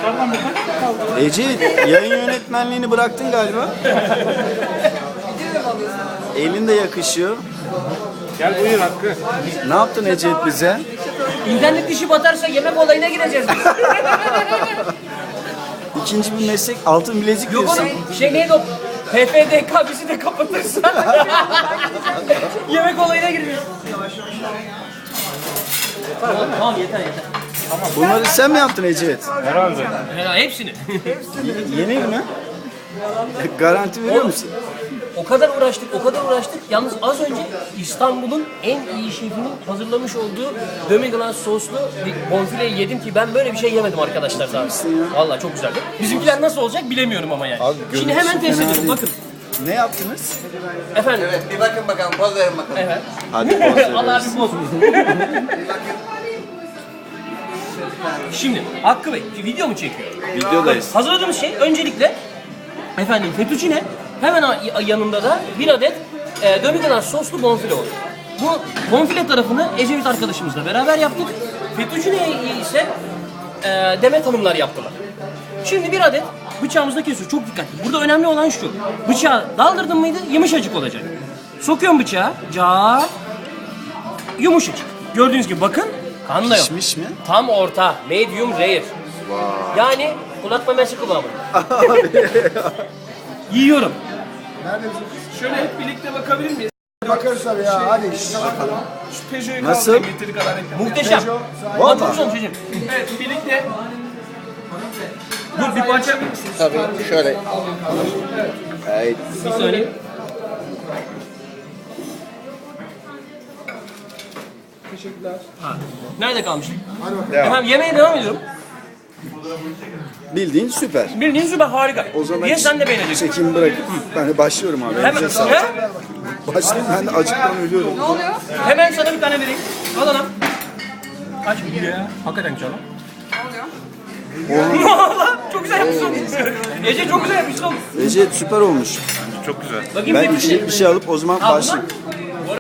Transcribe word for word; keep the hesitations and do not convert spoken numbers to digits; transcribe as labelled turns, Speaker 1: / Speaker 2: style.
Speaker 1: Ece, yayın yönetmenliğini bıraktın galiba. Elin de yakışıyor.
Speaker 2: Gel buyur Hakkı.
Speaker 1: Ne yaptın Ece bize?
Speaker 3: İnternet işi batarsa yemek olayına gireceğiz biz.
Speaker 1: İkinci bir meslek, altın bilezik
Speaker 3: Yok
Speaker 1: diyorsun.
Speaker 3: oğlum şey neydi o? P F D K bizi de kapatırsa yemek olayına gireceğiz. Tamam, tamam yeter yeter.
Speaker 1: Bunları sen mi yaptın Ece?
Speaker 2: Herhalde.
Speaker 3: Ya, hepsini.
Speaker 1: Y- Yeni mi? Garanti veriyor musun?
Speaker 3: O kadar uğraştık, o kadar uğraştık. Yalnız az önce İstanbul'un en iyi şefinin hazırlamış olduğu demi-glace soslu bir bonfileyi yedim ki ben böyle bir şey yemedim arkadaşlar daha. Vallahi çok güzeldi. Bizimkiler nasıl olacak bilemiyorum ama yani.
Speaker 1: Abi,
Speaker 3: Şimdi
Speaker 1: görüntüsü
Speaker 3: hemen test
Speaker 1: fena
Speaker 3: edelim
Speaker 1: değil.
Speaker 3: bakın.
Speaker 1: Ne yaptınız?
Speaker 3: Efendim.
Speaker 4: Evet, bir bakın bakalım, poz verin bakalım.
Speaker 3: Evet.
Speaker 1: Hadi poz veriyoruz.
Speaker 3: Allah abi bozsun. Şimdi Hakkı Bey video mu çekiyor?
Speaker 1: Videodayız.
Speaker 3: Hazırladığımız şey öncelikle efendim fettuccine, hemen a- yanında da bir adet e, demi-glace soslu bonfile olur. Bu bonfile tarafını Ecevit arkadaşımızla beraber yaptık. Fettuccine'yi ise e, Demet Hanımlar yaptılar. Şimdi bir adet bıçağımızda kesiyoruz. Çok dikkatli. Burada önemli olan şu. Bıçağı daldırdın mıydı yumuşacık olacak. Sokuyorum bıçağı. Ca yumuşacık. Gördüğünüz gibi bakın kan da yok.
Speaker 1: Pişmiş mi?
Speaker 3: Tam orta. Medium rare. Yani kulak memesi kıvamında. Yiyorum.
Speaker 5: Şöyle hep birlikte bakabilir miyiz?
Speaker 6: Bakarız tabii ya, hadi.
Speaker 5: Şu Peugeot'u
Speaker 1: Nasıl?
Speaker 5: kaldırın, yeteri kadar ekle.
Speaker 3: Muhteşem. Ulan çok güzel çocuğum.
Speaker 5: Evet, birlikte. Dur bir parça.
Speaker 4: Tabii, şöyle. Evet.
Speaker 3: Bir saniye.
Speaker 5: Teşekkürler.
Speaker 3: Nerede kalmıştık? Efendim yemeğe devam ediyorum.
Speaker 1: Bildiğin süper.
Speaker 3: Bildiğin süper harika.
Speaker 1: O zaman
Speaker 3: Ye sen de beğeneceksin.
Speaker 1: çekimi bırakıp ben de başlıyorum abi.
Speaker 3: Hemen,
Speaker 1: Elinize sağlık.
Speaker 3: he?
Speaker 1: Başlayayım, ben de acıktan ölüyorum.
Speaker 3: Hemen sana bir tane vereyim. Al ana. Aç. Ya. Hakikaten güzel lan. Valla çok güzel yapmışsın. Ece çok güzel yapmışsın oğlum.
Speaker 1: Ece süper olmuş.
Speaker 2: Çok güzel.
Speaker 3: Bakayım
Speaker 1: Ben
Speaker 3: tepkisi.
Speaker 1: içecek bir şey alıp o zaman
Speaker 3: Al
Speaker 1: başlayayım.
Speaker 3: bundan.